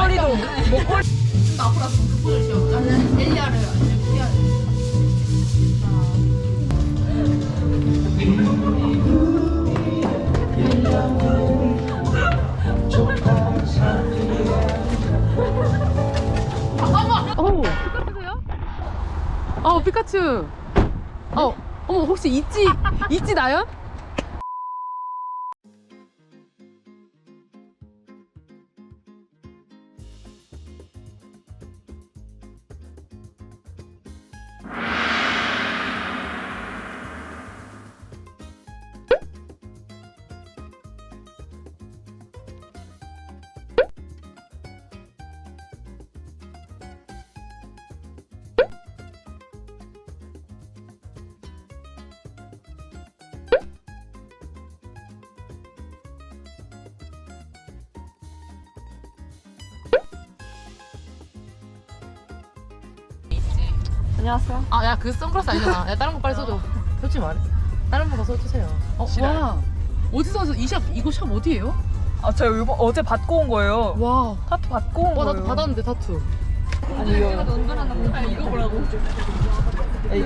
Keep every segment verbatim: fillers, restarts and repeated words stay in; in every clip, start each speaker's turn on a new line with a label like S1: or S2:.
S1: 목걸이도 목걸이.
S2: 앞으로 와서 그 포즈 나는 엘리아를 해야 돼.
S3: 어, 피카츄세요? 어, 피카츄. 어, 어머, 혹시 있지, 있지 나연?
S1: 안녕하세요.
S3: 아, 야, 그 선글라스 아니잖아. 야, 다른 거 빨리 써줘. 솔직히 말해. 다른 거 가서 써주세요. 어,
S1: 싫어요.
S3: 와. 어디서, 이 샵, 이거 샵 어디예요?
S1: 아, 제가 이번 어제 받고 온 거예요.
S3: 와.
S1: 타투 받고 온
S3: 와,
S1: 거예요.
S3: 나도 받았는데, 타투.
S1: 아니 이거. 아니 이거 보라고. 에이.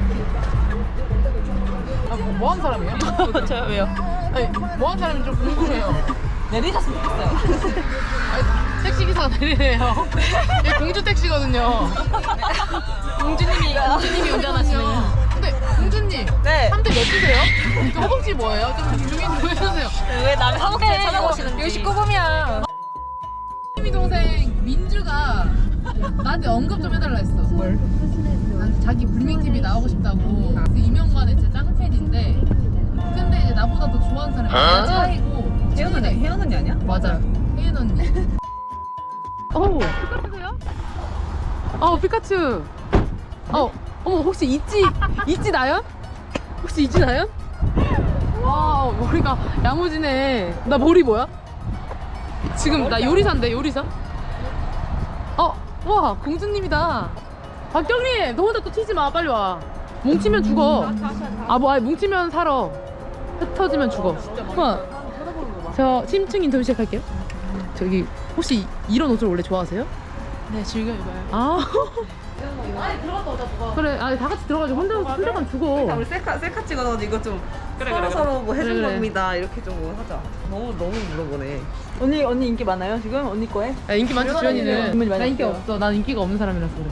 S3: 아, 뭐, 뭐 하는 사람이에요?
S1: 저요 왜요?
S3: 아니, 뭐 하는 사람인지 좀 궁금해요.
S1: 내리셨으면 좋겠어요.
S3: 아니, 택시기사가 내리네요. 얘 공주 택시거든요.
S2: 공주님이 공주님이 운전하시는.
S3: 근데, 공주님.
S1: 네.
S3: 삼 대 몇이세요? 저 허벅지 뭐예요? 좀 중인 좀 해주세요.
S1: 왜 남의 허벅지를
S2: 네,
S1: 찾아보시는지.
S2: 열십구
S1: 분이야.
S3: 희미 동생 민주가 나한테 언급 좀 해달라 했어. 뭘? 나한테 자기 불밍 티비 나오고 싶다고. 그래서 이명관의 진짜 짱팬인데, 근데 이제 나보다 더 좋아하는 사람이 나 차이고.
S1: 혜연 언니, 혜연 언니 아니야?
S3: 맞아. 혜연 언니. 어, 피카츄세요? 어, 피카츄. 어, 어머, 혹시 있지, 있지 나연? 혹시 있지 나연? 와, 머리가 야무지네. 나 머리 뭐야? 지금 나 요리사인데, 요리사? 어, 와, 공주님이다. 박경리, 너 혼자 또 튀지 마, 빨리 와. 뭉치면 죽어. 아, 뭐, 아니, 뭉치면 살아. 흩어지면 죽어. 와, 저 심층 인터뷰 시작할게요. 저기, 혹시 이런 옷을 원래 좋아하세요?
S2: 네, 즐겨 입어요.
S3: 아. 아니, 들어갔다 오자, 누가. 그래, 아니, 다 같이 들어가지고 혼자, 혼자 가면 죽어.
S1: 우리 셀카 셀카 찍어서 이거 좀
S3: 그래,
S1: 서로
S3: 그래,
S1: 서로 뭐 해준
S3: 그래, 그래.
S1: 겁니다 이렇게 좀 하자. 너무 너무 물어보네. 언니 언니 인기 많아요 지금 언니 거에?
S3: 야, 인기 많지, 주연이는.
S1: 질문이 많이
S3: 나 인기
S1: 있어요.
S3: 없어. 난 인기가 없는 사람이라서 그래.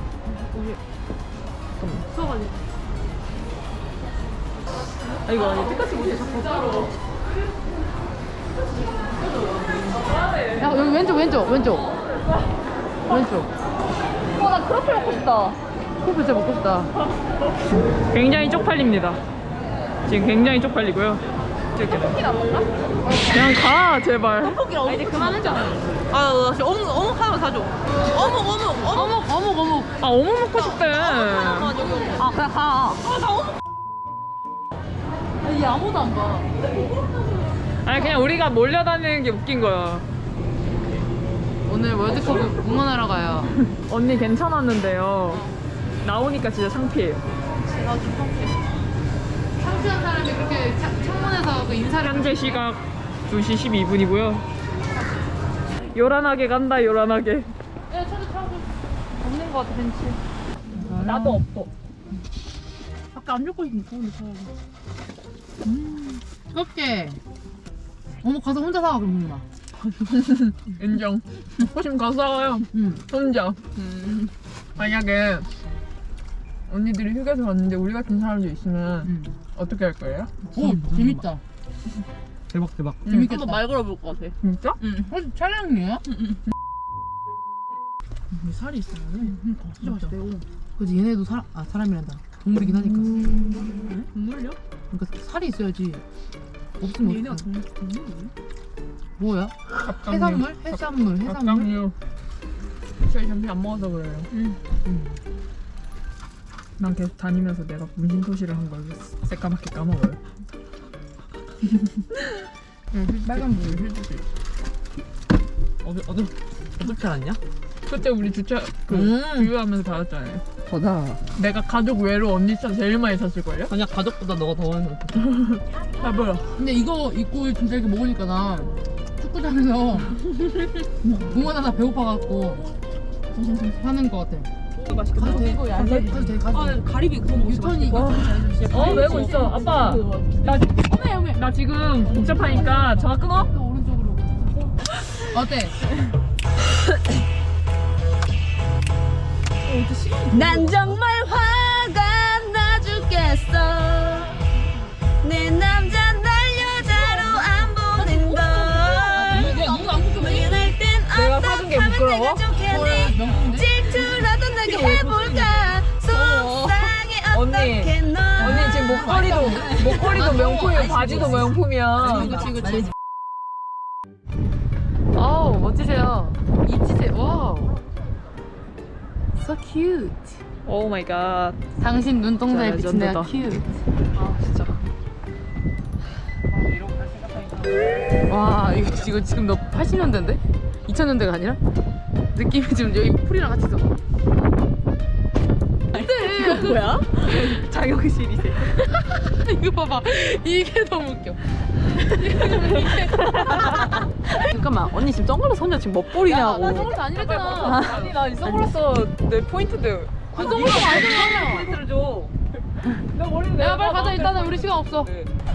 S3: 수업하지.
S1: 아 이거 아니 피카츄 옷이 자꾸
S3: 야, 여기 왼쪽, 왼쪽, 왼쪽. 왼쪽.
S1: 어나 크로플 먹고 싶다.
S3: 코프 진짜 먹고 싶다.
S4: 굉장히 쪽팔립니다. 지금 굉장히 쪽팔리고요.
S1: 떡볶이 안 먹나?
S4: 그냥 가 제발.
S1: 떡볶이 아 이제 그만하자. 아 진짜 어묵 어묵 하나만 사줘. 어묵 어묵 어묵.
S3: 어묵, 어묵, 어묵.
S4: 아 어묵 먹고 싶대.
S1: 하나만 여기 어묵. 아 그냥 가. 아나 어묵.
S3: 얘 아무도 안 봐.
S4: 아니 그냥 우리가 몰려다니는 게 웃긴 거야.
S3: 오늘 월드컵 응원하러 가요.
S4: 언니 괜찮았는데요. 나오니까 진짜 창피해요.
S3: 창피한 사람이 그렇게 차, 창문에서 그 인사를.
S4: 현재 시각 두 시 십이 분이고요. 요란하게 간다 요란하게.
S3: 야, 차도 차도.
S1: 없는 거 같아 벤치.
S4: 나도 없어.
S3: 아까 안 좋고 있는 좋은데 차라리. 음, 뜨겁게. 어머, 가서 혼자 사와, 그럼 누나.
S4: 인정. 호심 가서 사와요.
S3: 응.
S4: 혼자. 만약에 언니들이 휴게소 갔는데 우리 같은 사람들 있으면
S3: 응.
S4: 어떻게 할 거예요?
S3: 오, 재밌다.
S5: 대박 대박.
S3: 재밌겠다.
S1: 한번 말 걸어볼 것 같아.
S4: 진짜?
S1: 응.
S3: 어, 촬영이에요?
S2: 살이 있어요.
S3: 그러니까 진짜 맛있대요. 그지, 얘네도 사, 아, 사람이란다. 동물이긴 하니까.
S2: 동물요?
S3: 그러니까 살이 있어야지. 없으면
S2: 얘네가
S3: 어떡해.
S2: 동- 동물이에요?
S3: 뭐야?
S4: 갑각류.
S3: 해산물? 해산물? 해산물?
S4: 갑각류. 저희 점심 안 먹어서 그래요.
S3: 응.
S4: 난 계속 다니면서 내가 문신토시를 한 걸 새까맣게 까먹어요. 빨간 불 해주세요.
S5: 어디 어디 어떻게 알았냐?
S4: 그때 우리 주차 그
S3: 음.
S4: 주유하면서 받았잖아요.
S5: 거다.
S4: 내가 가족 외로 언니 차 제일 많이 샀을걸요?
S5: 아니야 가족보다 너가 더 많이 샀어.
S4: 봐봐요.
S3: 근데 이거 입고 진짜 이렇게 먹으니까 나 축구장에서 응원하다 배고파갖고 하는 것 같아.
S1: 맛있겠다.
S3: 가도 돼. 가도 돼. 가도 돼. 가도 돼.
S1: 가리비 구워 먹고
S3: 유턴이 유턴이 잘해주시.
S4: 어 외우고 있어. 아빠 나, 나 지금 복잡하니까 전화 끊어.
S3: 또 오른쪽으로. 어때?
S1: 난 정말 화가 나 죽겠어. 내 남자 날 여자로 안 보낸다.
S3: 내가 누구 안 궁금해?
S1: 미안할 땐
S4: 내가 사준 게 부끄러워?
S1: 좋겠니?
S3: 명품인데?
S1: 질투라도 나게 해볼까. 속상해
S4: 언니,
S1: 어떻게 너.
S4: 언니 지금 목걸이도 목걸이도 명품이고 바지도 명품이야.
S3: 그치 그치. 아우 멋지세요. 이치세요. 와우. So cute.
S4: 오 마이 갓.
S3: 당신 눈동자에
S4: 진짜
S3: 비친 내가
S4: 레전드다.
S3: cute.
S4: 아 진짜.
S3: 와 이거 지금 지금 너 팔십 년대인데? 이천 년대가 아니라? 느낌이 지금 여기 풀이랑 같이 있어.
S1: 이거 뭐야? 자격실이세.
S3: 이거 봐봐. 이게 너무 웃겨.
S1: 잠깐만 언니 지금 선글라스 혼자 지금 멋부리냐고.
S3: 나 선글라스 아니랬잖아.
S4: 아니 나 이 선글라스 내 포인트인데.
S3: 그 선글라스 아니잖아.
S4: 포인트를 줘. 나 머리는
S3: 야 빨리 가자. 일단은 우리 시간 없어.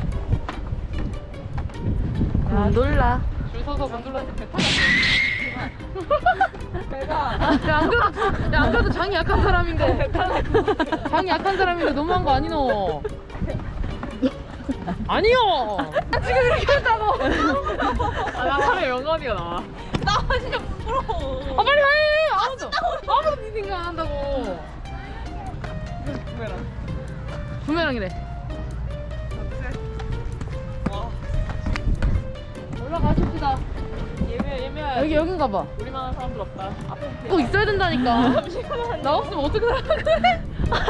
S1: 곤돌라.
S3: 줄 서서 건들라서 배탈 났어. 야안 그래도 야안 그래도 장이 약한 사람인데. 장이 약한 사람인데 너무한 거 아니노? 아니요. 지금 이렇게 했다고.
S4: 아나 사회 영원이야 나.
S1: 나 진짜 부끄러워.
S3: 아 빨리 해. 아무도 아무도 네 생각 안 한다고.
S4: 부메랑.
S3: 부메랑이래. 올라가십시다.
S4: 예매 예매.
S3: 여기 여긴가 봐.
S4: 우리만한 사람들 없다. 앞에.
S3: 꼭 있어야 된다니까. 나 없으면 어떻게 살아?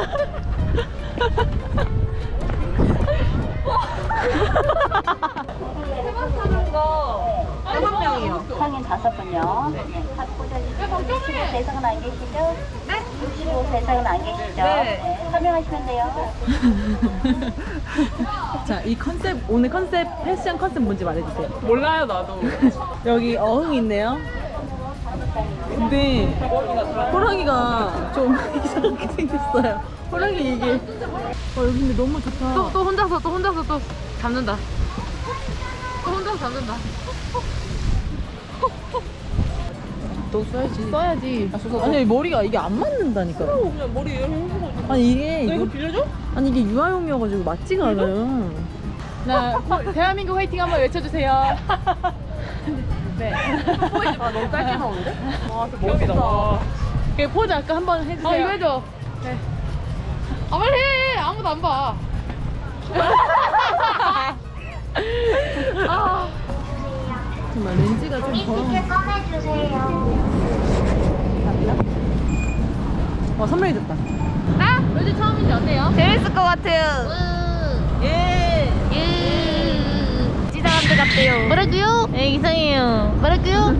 S1: 다섯 명이요.
S6: 성인 다섯 분요. 네. 육십오 세 이상은 안 계시죠? 네. 육십오 세 이상은 안 계시죠? 네. 설명하시면 돼요.
S1: 자, 이 컨셉 오늘 컨셉 패션 컨셉 뭔지 말해주세요.
S4: 몰라요 나도.
S1: 여기 어흥 있네요. 근데 호랑이가 좀 이상하게 생겼어요. 호랑이 이게. 어 여기 근데 너무 좋다.
S3: 또, 또 혼자서 또 혼자서 또 잡는다. 또 혼자서 잡는다.
S1: 너 써야지.
S3: 써야지.
S1: 아니 머리가 이게 안 맞는다니까.
S4: 그냥 머리 해보고.
S1: 아니 이게
S4: 너 이거
S1: 이거-
S4: 빌려줘?
S1: 아니 이게 유아용이어가지고 맞지가 않아요.
S3: 나 대한민국 화이팅 한번 외쳐주세요. 네.
S1: 아 너무 짧게 나오는데?
S4: 아 진짜 멋있다. 와.
S3: 그 포즈 아까 한번 해주세요. 아 이거 해줘. 네. 아 빨리 해. 아무도 안 봐. 아.
S1: 정말 렌즈가 좀 더. 와 선명히 됐다.
S3: 나? 요즘 처음인데 어때요?
S1: 재밌을 것 같아요. 예.
S3: 예.
S1: 찌사람들 같대요.
S3: 뭐라고요?
S1: 네 이상해요.
S3: 뭐라고요?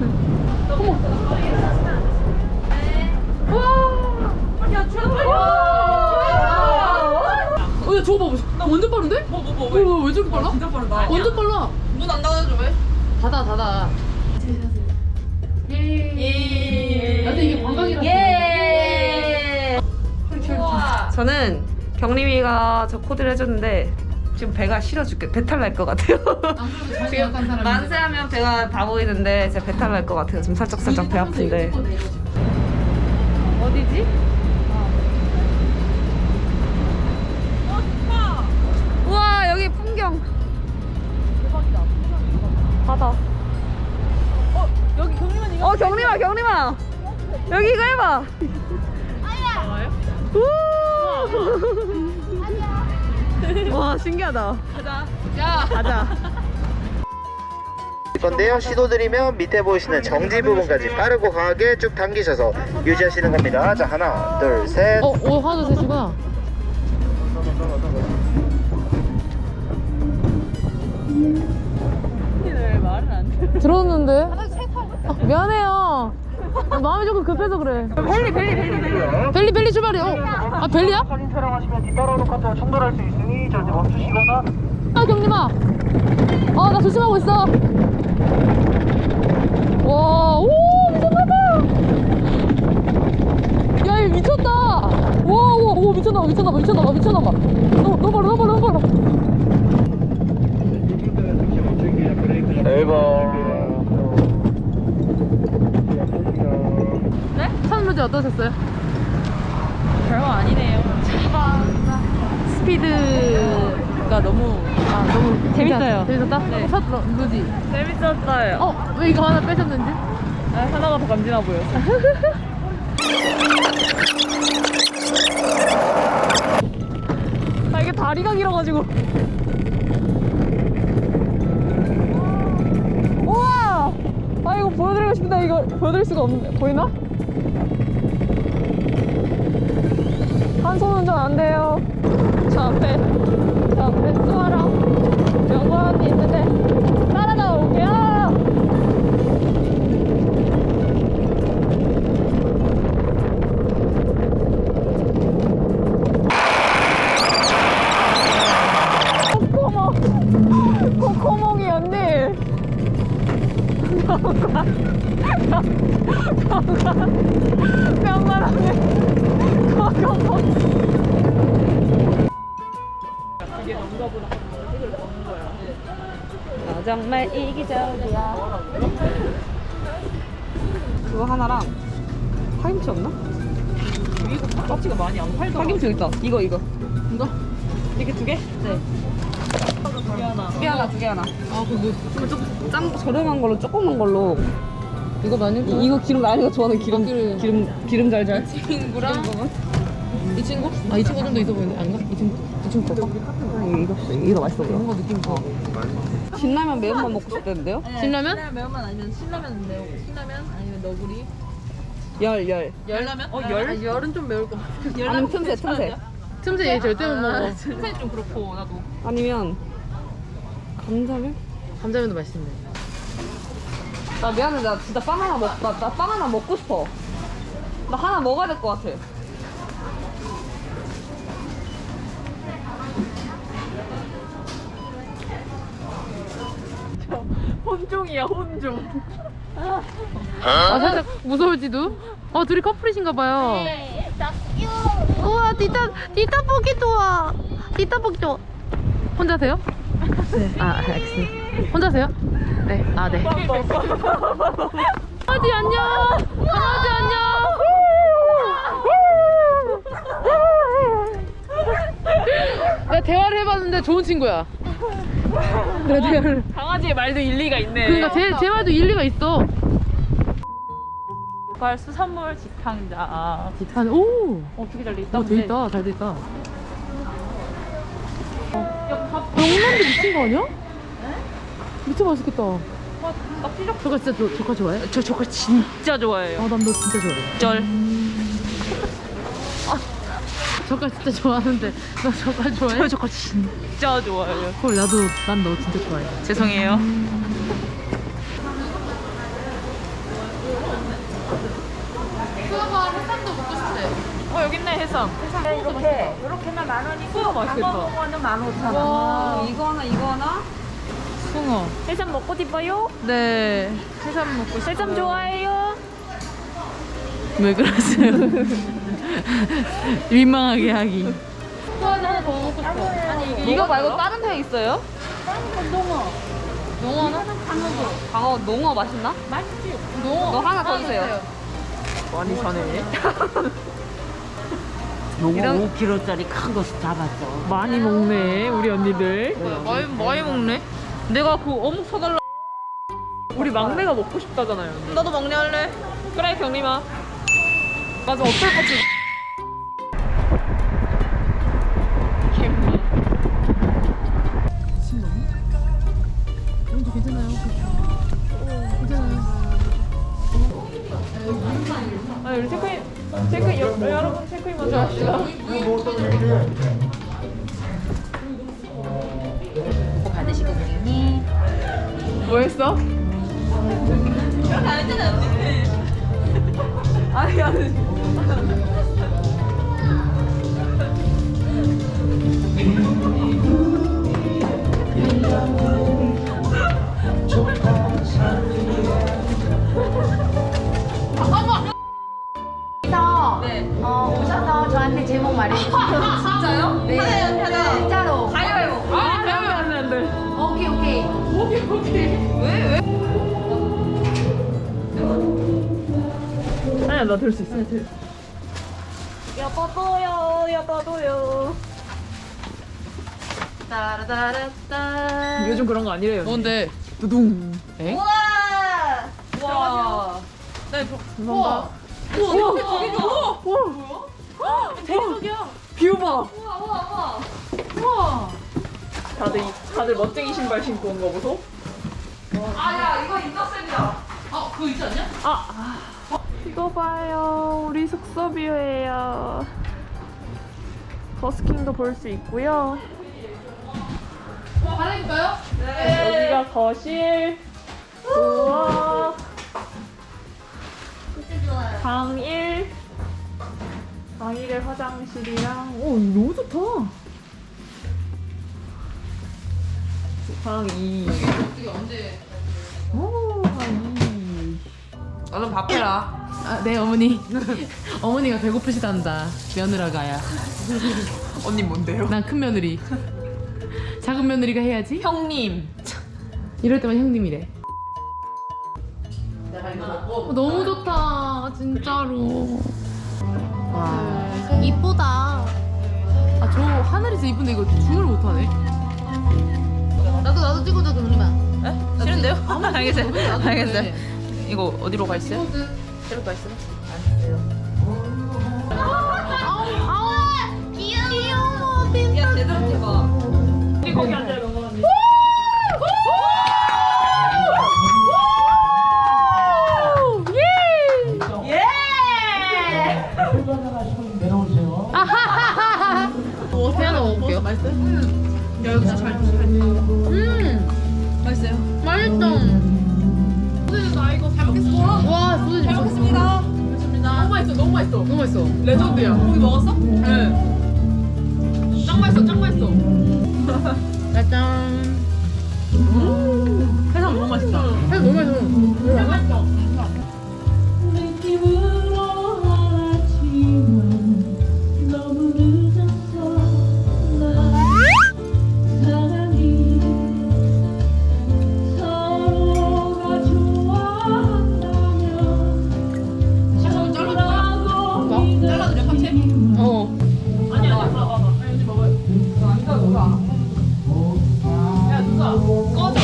S3: 어, 야, 저거 봐봐. 나 완전 빠른데? 뭐, 뭐, 뭐, 왜? 왜, 왜 저렇게 빨라?
S4: 진짜 빠르다.
S3: 완전 빨라.
S4: 문 안 닫아줘 왜?
S3: 닫아, 닫아. 예. 나도 이게 관광이라서.
S1: 예. 저는 경림이가 저 코드를 해줬는데 지금 배가 싫어 죽겠. 배탈 날 것 같아요. 지금 만세하면 배가 다 보이는데 제가 배탈 날 것 같아요. 지금 살짝 살짝 배 아픈데. 어디지? 우와 여기 풍경. 대박이다. 바다. 어 여기 경림아 이거. 어 경림아 경림아. 여기 이거 해봐. 우. 와 신기하다. 가자.
S3: 야.
S1: 가자.
S7: 건데요. 시도드리면 밑에 보이시는 정지 부분까지 빠르고 강하게 쭉 당기셔서 유지하시는 겁니다. 자 하나 둘 셋.
S3: 어, 오, 하나, 둘, 셋이구나.
S1: 왜 말을 안 해?
S3: 들었는데? 아, 미안해요. 마음이 조금 급해서 그래.
S1: 벨리 벨리 벨리 벨리.
S3: 벨리, 벨리 출발이요. 아, 벨리야?
S7: 사진 촬영하시면 뒤따라오는 카트와 충돌할 수 있으니 절대 멈추시거나
S3: 아, 경림아. 어, 나 조심하고 있어. 어제 어떠셨어요?
S4: 별거 아니네요.
S3: 스피드가 너무 아 너무
S4: 재밌어요.
S3: 재밌었다?
S4: 네.
S3: 첫 러- 루지.
S4: 재밌었어요.
S3: 어? 왜 이거 하나 빼셨는지?
S4: 아, 하나가 더 간지나 보여서. 아, 이게 다리가 길어가지고. 우와! 아, 이거 보여드리고 싶은데 이거 보여드릴 수가 없네. 보이나? 한 손 운전 안 돼요. 저 앞에, 저 앞에 수아랑 명관이 있는데 따라 나올게요. 코코몽, 코코몽이 언니. 명관 언니. 코코몽. 이게 뭔가보다 이걸 먹는 거야. 너 정말 이기적이야.
S1: 그거 하나랑 파김치 없나?
S4: 이거 파김치가 많이 안 팔더라.
S1: 파김치 여기 있다. 이거 이거.
S3: 이거?
S4: 이게 두 개?
S1: 네.
S4: 두 개 하나.
S1: 두 개 하나 두 개 하나.
S3: 아 그거
S1: 그럼 좀 짠 저렴한 걸로 조그만 걸로.
S3: 이거 많은 거?
S1: 이, 이거 기름 나니가 좋아하는 기름
S3: 아, 기름.
S1: 기름 기름 잘잘.
S3: 친구랑 이 친구? 아 이 친구 좀 더 있어 보이네. 아닌가? 이 친구? 이 친구 거?
S1: 아, 이거 이거 이거 맛있어 보여.
S3: 뭔가 느낌 좋아.
S1: 신라면 매운맛 먹고 싶다는데요?
S3: 신라면?
S2: 매운맛 아니면 신라면 매운 신라면 아니면 너구리.
S1: 열 열.
S2: 열라면?
S4: 어, 열?
S2: 아, 열은 좀 매울 것 같아.
S1: 아니면 틈새 틈새.
S3: 틈새 얘 절대 못 먹어.
S4: 틈새 좀 그렇고 나도.
S1: 아니면 감자면?
S3: 감자면도 맛있네.
S1: 나 미안해 나 진짜 빵 하나 먹, 나, 나 빵 하나 먹고 싶어. 나 하나 먹어야 될 것 같아.
S4: 혼종이야, 혼종.
S3: 아 살짝 무서울지도. 어 둘이 커플이신가 봐요. 우와 디타 디타 보기 좋아. 디타 보기 좋아. 혼자세요? 네. 아 알겠습니다. 혼자세요? 네. 아 네. 강아지 안녕. 강아지 안녕. 내가 대화를 해봤는데 좋은 친구야. 내가 대화를.
S4: 강아지의 말도 일리가 있네.
S3: 그러니까 제, 제 말도 일리가 있어.
S4: 발 수산물 직항자.
S3: 디탄 오.
S4: 어, 되게 잘 돼 있다.
S3: 어, 돼 있다. 잘 돼 있다. 명란도 미친 거 아니야? 미쳐 맛있겠다.
S4: 나 피적.
S3: 저거 진짜 조, 조카 좋아해?
S4: 저 저거 진짜 좋아해요.
S3: 아, 난 너 진짜 좋아해.
S4: 쩔.
S3: 저가 진짜 좋아하는데 너 저가 좋아해?
S4: 저 저거 진짜 좋아해요.
S3: 헐 나도 난 너 진짜 좋아해.
S4: 죄송해요.
S3: 수아가 해산도 먹고 싶대.
S4: 어, 여기 있네, 해삼.
S1: 이렇게 이렇게만 만 원이고
S4: 숭어 맛있겠다.
S1: 광어는 만 오천
S3: 와.
S1: 원. 이거 하나 이거 하나.
S3: 숭어.
S4: 해삼 먹고 싶어요?
S3: 네. 해산 먹고 싶어.
S4: 해삼 좋아해요?
S3: 왜 그러세요? 민망하게 하기. 수아는 하나 더 먹고 싶어. 아니
S1: 이거 말고 다른 회 있어요?
S3: 농어 하나?
S1: 광어 농어 맛있나?
S3: 농어.
S1: 너 하나 더 주세요.
S4: 많이 사네.
S1: 이런-
S8: 오 킬로그램짜리 큰 거 잡았어.
S4: 많이 먹네, 우리 언니들.
S3: 많이 많이 먹네.
S4: 내가 그 어묵 사달라. 우리 막내가 먹고 싶다잖아요. 언니.
S1: 너도 먹냐 할래?
S4: 그래, 경림아. 맞아, 어떨 것 같지?
S3: 먼저 괜찮아요. 괜찮아요.
S4: 아, 우리 체크인, 체크인, 여, 여러분 체크인 먼저 합시다.
S2: 받으시고 고객님.
S4: 뭐 했어? 아니, 아니.
S2: 어, 오셔서 저한테 제목 말해주세요.
S1: 진짜요?
S2: 네.
S1: 하나
S2: 진짜로.
S1: 가위바위보.
S4: 아, 배우면 안 돼, 안 돼.
S2: 오케이, 오케이.
S4: 오케이, 오케이.
S1: 왜 왜?
S4: 아니, 아니야 나 들 수 있어.
S1: 여봐도요, 여봐도요. 따라따라따.
S4: 요즘 그런 거 아니래요.
S3: 뭔데?
S4: 두둥.
S3: 에?
S1: 우와! 와. 네, 저,
S3: 우와.
S4: 뷰 봐.
S1: 우와, 우와,
S3: 우와.
S4: 다들 이- 다들 멋쟁이 신발 신고 온 거 보소.
S1: 우와. 아, 야, 이거 인터셉이야.
S3: 아, 그거 있지 않냐?
S4: 이거 봐요. 우리 숙소 뷰예요. 버스킹도 볼 수 있고요.
S3: 어, 갈아입을까요?
S4: 여기가 거실. 우와. 방 일. 방 일에 화장실이랑. 오, 너무 좋다. 방 이.
S3: 어떻게 언제?
S4: 오, 방 이.
S1: 얼른 밥 해라.
S3: 아, 네 어머니. 어머니가 배고프시단다. 며느라가야.
S1: 언니 뭔데요?
S3: 난 큰 며느리. 작은 며느리가 해야지.
S1: 형님.
S3: 이럴 때만 형님이래. 어, 너무 좋다, 진짜로. 와, 이쁘다. 아, 저 하늘에서 이쁜데 이거 줌을 못하네. 나도 나도 찍어줘, 그러면.
S1: 에? 싫은데요? 알겠어요. 알겠어요.
S3: 네.
S1: 이거 어디로 가 있어요?
S3: 저로 가 있어요.
S1: 야, 제대로 해봐.
S4: 우리 거기 앉아요, 명건 언니.
S3: 어, 새 하나 먹을게요. 맛있어요? 야, 이거 진짜 잘 드시네. 음! 맛있어요? 맛있어. 소세지 나 이거 잘 먹겠습니다. 와, 소세지 잘 먹겠습니다. 너무 맛있어, 너무 맛있어. 너무 맛있어. 레전드야. 고기 먹었어? 네. 짱 맛있어, 짱 맛있어. 짜잔.
S1: 해삼 너무 맛있다.
S3: 해삼 너무 맛있어. 너무 맛있어. 어.
S4: 아니야, 아니야, 봐봐. 아니, 언니 먹어요. 안 가, 누가. 야, 누가. 꺼져.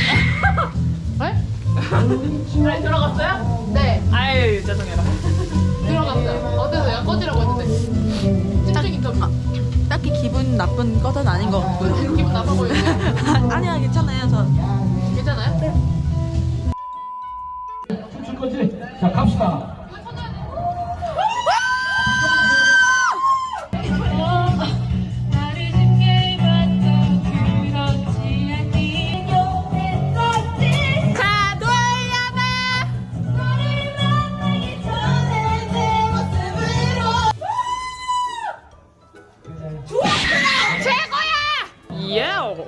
S3: 네?
S4: 아니, 들어갔어요?
S3: 네.
S4: 아유, 죄송해라.
S3: 들어갔어요. 어때서요? 꺼지라고 했는데. 찐득 인터뷰.
S9: 딱히 기분 나쁜 것은 아닌 것 같고요.
S3: 기분 나빠 보이는데.
S9: 아니야, 괜찮아요. 저
S3: 괜찮아요? 네.
S5: 춤출 거지? 자, 갑시다.
S4: 예!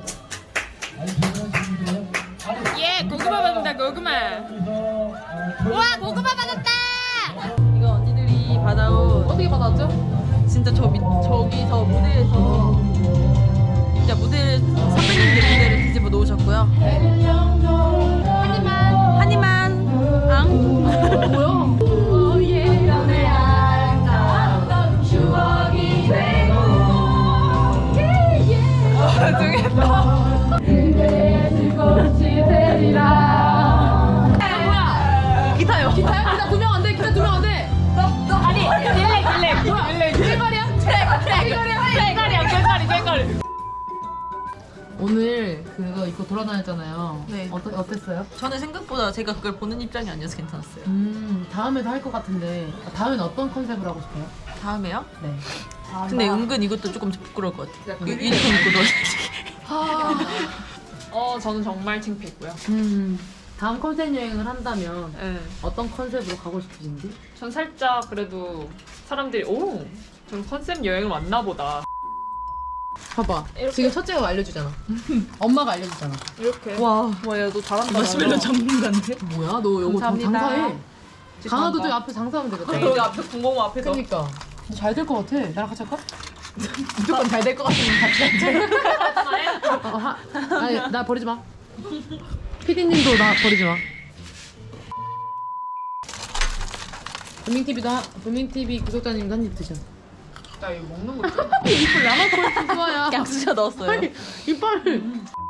S4: 예, 고구마 받는다, 고구마.
S3: 우와, 고구마 받았다!
S9: 이거 언니들이 받아온
S3: 어떻게 받았죠?
S9: 진짜 저 밑, 저기서 무대에서 진짜 무대를 선배님들 무대를 뒤집어 놓으셨고요.
S3: 한 입만.
S9: 한 입만. 앙.
S3: 뭐야?
S9: 기타요.
S3: 기타요? 기타 두 명 안 돼? 기타 두 명 안 돼?
S4: 아니, 딜렉, 딜렉.
S3: 뭐야?
S4: 딜렉.
S3: 딜렉이야?
S4: 딜렉이야, 딜렉이, 딜렉이.
S3: 오늘 그거 입고 돌아다녔잖아요.
S9: 네.
S3: 어떠, 어땠어요?
S9: 저는 생각보다 제가 그걸 보는 입장이 아니어서 괜찮았어요.
S3: 음, 다음에도 할 것 같은데 다음엔 어떤 컨셉으로 하고 싶어요?
S9: 다음에요?
S3: 네.
S9: 근데 은근 이것도 조금 부끄러울 것 같아요.
S3: 그
S9: 이거 이렇게 입고 놀
S4: 어, 저는 정말 창피했고요.
S3: 음, 다음 컨셉 여행을 한다면
S4: 네.
S3: 어떤 컨셉으로 가고 싶으신지?
S4: 전 살짝 그래도 사람들이 오, 좀 컨셉 여행을 왔나 보다.
S3: 봐봐.
S4: 이렇게.
S3: 지금 첫째가 알려주잖아. 엄마가 알려주잖아.
S4: 이렇게.
S9: 와, 와야 너 잘한다.
S1: 마시멜로
S9: 전문가인데?
S3: 뭐야? 너 요거 장-
S9: 감사합니다.
S3: 장사해. 강화도 저기 앞에 장사하면 되겠다.
S9: 여기 앞에 공공호 앞에서.
S3: 그니까. 잘 될 것 같아. 나랑 같이 할까? 무조건 잘 될 것 같으면 같이 하자. 어, 하, 아니, 나 버리지 마. 피디님도 나 버리지 마. 도민티비도 하, 도민티비 구독자님도 한 입 드셔.
S9: 나 이거 먹는 거 좀.
S3: 이빨 나만 꼴찌 좋아야.
S9: 양수저 넣었어요.
S3: 이빨.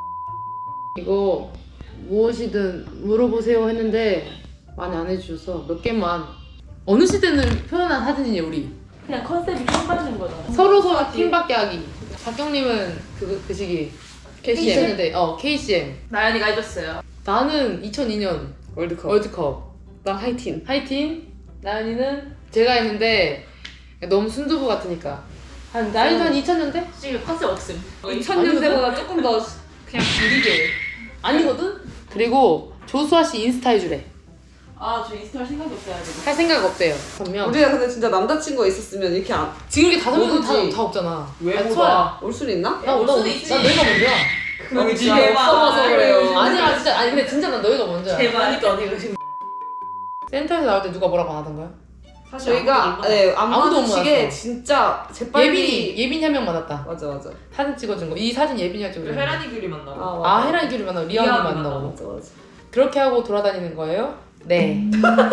S3: 이거 무엇이든 물어보세요 했는데 많이 안 해주셔서 몇 개만. 어느 시대는 표현한 사진이에요 우리.
S9: 그냥 컨셉이 킹 받는 거잖아.
S3: 서로 서로 팀밖에 하기. 박경님은 그, 그 시기 케이씨엠인데 어 케이씨엠.
S9: 나연이가 해줬어요.
S3: 나는 이천이 년
S1: 월드컵.
S3: 월드컵.
S1: 나 하이틴.
S3: 하이틴. 나연이는 제가 했는데 너무 순두부 같으니까. 한 나연이도 한 이천 년대?
S9: 지금 컨셉 없음.
S1: 이천 년대보다 조금 더
S9: 그냥 줄이게.
S3: 아니거든? 그리고 조수아 씨 인스타 해주래.
S9: 아, 저 인스타 할 생각이 없어요. 지금.
S3: 할 생각 없대요. 분명.
S1: 우리가 근데 진짜 남자친구가 있었으면 이렇게 안,
S3: 지금 이렇게 다섯 명도 다,
S1: 모르지.
S3: 다 없잖아.
S1: 왜
S3: 아,
S1: 보다
S3: 수아야.
S1: 올 수는 있나?
S3: 나,
S9: 올
S3: 나,
S9: 수도
S3: 나,
S9: 있지.
S3: 나 너희가 먼저야.
S1: 그럼
S9: 진짜
S1: 없어서 그래요.
S3: 아니야 진짜 아니 근데 진짜 난 너희가 먼저야.
S9: 제발. 그러니까 언니가 지금.
S3: 센터에서 나올 때 누가 뭐라고 안 하던가요?
S9: 사실
S1: 저희가 네, 안
S3: 아무도 못
S1: 마주치게
S3: 만났어.
S1: 진짜 재빨리
S3: 예빈이 예빈이 한 명 만났다.
S1: 맞아 맞아.
S3: 사진 찍어준 거. 이 사진 예빈이가 찍어준 거.
S9: 혜란이 귤이 만나고.
S1: 아, 맞아.
S3: 아 혜란이 귤이 만나고 리아언니
S9: 리아언니
S3: 만나고.
S1: 맞아 맞아.
S3: 그렇게 하고 돌아다니는 거예요? 네.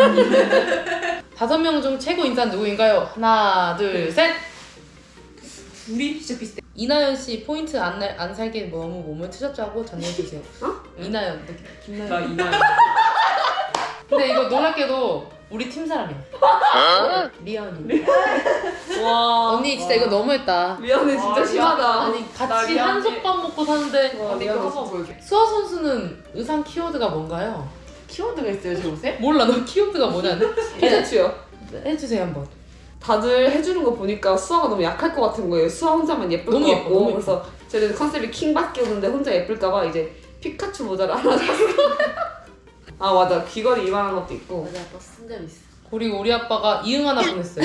S3: 다섯 명 중 최고 인사는 누구인가요? 하나, 둘, 셋.
S9: 둘이 진짜 비슷해.
S3: 이나연 씨 포인트 안, 날- 안 살게 너무 몸을 트셨다고 전해 주세요.
S1: 어?
S3: 이나연. 김나연.
S9: 나 이나연.
S3: 근데 이거 놀랍게도 우리 팀 사람이야. 리아언니.
S1: 와
S3: 언니 진짜 이거 너무했다.
S1: 미안해 진짜
S9: 와,
S1: 심하다.
S3: 아니
S9: 나
S3: 같이
S9: 리아언니.
S3: 한솥밥 먹고 사는데
S1: 와,
S9: 언니
S1: 미안해,
S9: 거 한번
S1: 진짜.
S9: 보여줘.
S3: 수아 선수는 의상 키워드가 뭔가요?
S9: 키워드가 있어요, 제 옷에?
S3: 몰라 너 키워드가 뭐냐는데?
S1: 해주요.
S3: 해주세요 한번.
S1: 다들 해주는 거 보니까 수아가 너무 약할 것 같은 거예요. 수아 혼자만 예쁠
S3: 너무
S1: 것
S3: 예뻐,
S1: 같고
S3: 너무 예뻐.
S1: 그래서 저는 컨셉이 킹밖에 없는데 혼자 예쁠까봐 이제 피카츄 모자를 하나 샀어. 아 맞아 귀걸이 이만한 것도 있고.
S9: 맞아, 아빠 쓴적 있어.
S3: 그리고 우리 아빠가 이응 하나 보냈어요.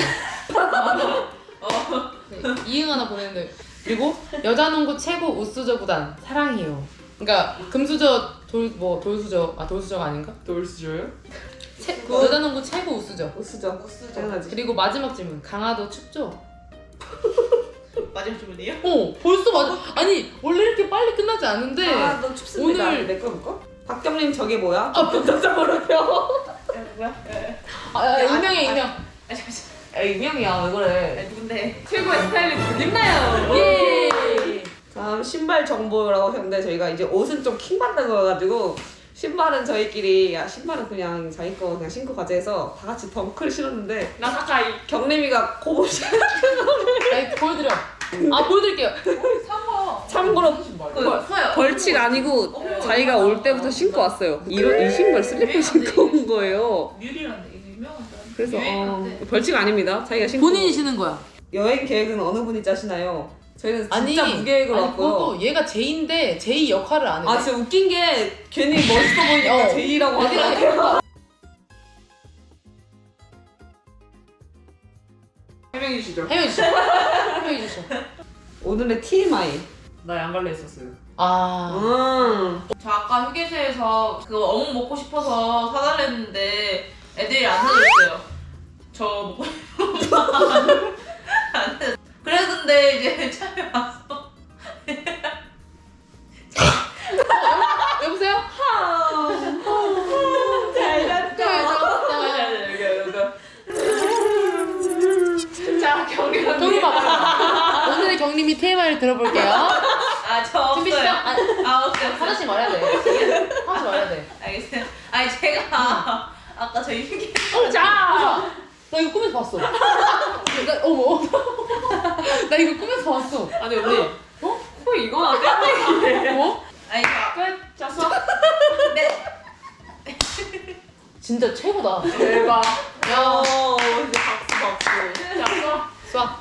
S3: 네, 이응 하나 보냈는데 그리고 여자농구 최고 우수저 구단 사랑해요. 그러니까 금수저 돌 뭐 돌수저 아 돌수저가 아닌가?
S9: 돌수저요?
S3: 최, 여자농구 최고 우수저.
S1: 우수저 우수저 당연하지.
S3: 그리고 마지막 질문 강화도 춥죠?
S9: 마지막 주문이에요?
S3: 어 벌써 맞아. 아니 원래 이렇게 빨리 끝나지 않는데
S1: 아너 춥습니다.
S3: 오늘-
S1: 내거 볼까? 박경림 저게 뭐야? 아 본격적으로요.
S9: 뭐야?
S3: 아, 아, 익명이야 익명.
S9: 아, 잠시만.
S1: 야 익명이야 왜 그래?
S9: 누군데?
S1: 최고의 스타일리스트 김나연.
S3: 예.
S1: 다음 신발 정보라고 하셨는데 저희가 이제 옷은 좀 킹받는 거여가지고 신발은 저희끼리 야 신발은 그냥 자기 거 그냥 신고 가자 해서 다 같이 덩크를 신었는데
S9: 나 사카이.
S1: 경림이가 고무 신
S3: 아니 보여드려. 아 보여드릴게요.
S9: 사과.
S1: 참고로
S9: 그, 서요.
S1: 벌칙 아니고 자기가 올 때부터 신고 왔어요. 이런 이 신발 슬리퍼 신고 온 거예요.
S9: 뮤리란데 이거 유명한 사람.
S1: 그래서 어,
S9: 유행한데.
S1: 벌칙 아닙니다. 자기가 신고
S3: 본인이 신은 거야.
S1: 여행 계획은 어느 분이 짜시나요? 저희는
S3: 아니
S1: 진짜 무계획으로
S3: 아니
S1: 왔고요.
S3: 그것도 얘가 제이인데 제이 역할을 안 해.
S1: 아 진짜 웃긴 게 괜히 멋있어 보이니까
S3: 어.
S1: 제이라고
S3: 애들이
S1: 하더라고요.
S9: 해명해 주시죠.
S3: 해명해 주셔. 해명해 주셔.
S1: 오늘의 티엠아이.
S9: 나 양갈래 했었어요.
S3: 아.
S1: 음.
S9: 저 아까 휴게소에서 그 어묵 먹고 싶어서 사달랬는데 애들이 안 사줬어요. 저 먹고 싶어서 안 해. 그랬는데 이제 차에 와서
S3: 여보세요?
S1: 잘 잤죠?
S9: 자 경리
S3: 경리 봐봐. 오늘의 경림이 테이마를 들어볼게요.
S9: 아저
S3: 준비 시작.
S9: 없어요.
S3: 아,
S9: 아 없어요.
S3: 하나씩 말해야 돼. 하나씩 말해야 돼.
S9: 알겠어요. 아니 제가 아까 저희 휴게소
S3: 자. 나 이거 꿈에서 봤어. 나, 어머. 나 이거 꿈에서 봤어.
S1: 아니 언니. 어? 어 이거 안 돼?
S3: 뭐?
S9: 아니 끝 잤어? 네.
S3: 진짜 최고다.
S1: 대박.
S3: 야.
S1: 어, 이제 박수 박수.
S3: 자, 수아.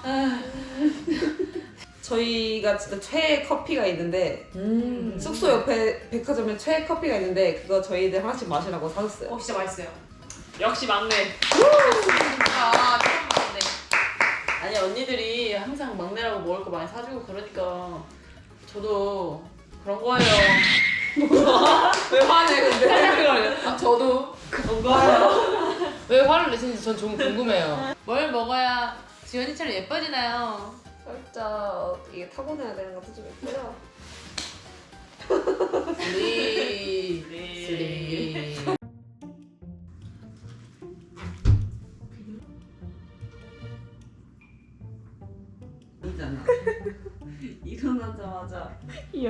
S1: 저희가 진짜 최애 커피가 있는데
S3: 음.
S1: 숙소 옆에 백화점에 최애 커피가 있는데 그거 저희들 하나씩 마시라고 사줬어요.
S9: 어 진짜 맛있어요. 역시 막내.
S2: 아, 참 많네.
S9: 아니 언니들이 항상 막내라고 먹을 거 많이 사주고 그러니까 저도 그런 거예요.
S1: 왜 화내 근데?
S3: 아, 저도.
S1: 그런 거예요.
S3: 왜 화를 내시는지 전 좀 궁금해요. 뭘 먹어야 지연이처럼 예뻐지나요?
S1: 살짝 이게 타고나야 되는 것도 좀 있고요.
S3: 슬리.
S9: 네.
S3: 슬리.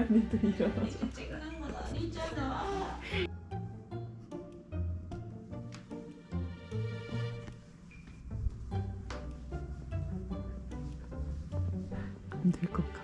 S1: 언니들 일어나죠.
S9: 찍는 건 아니잖아.
S3: 안 될 것.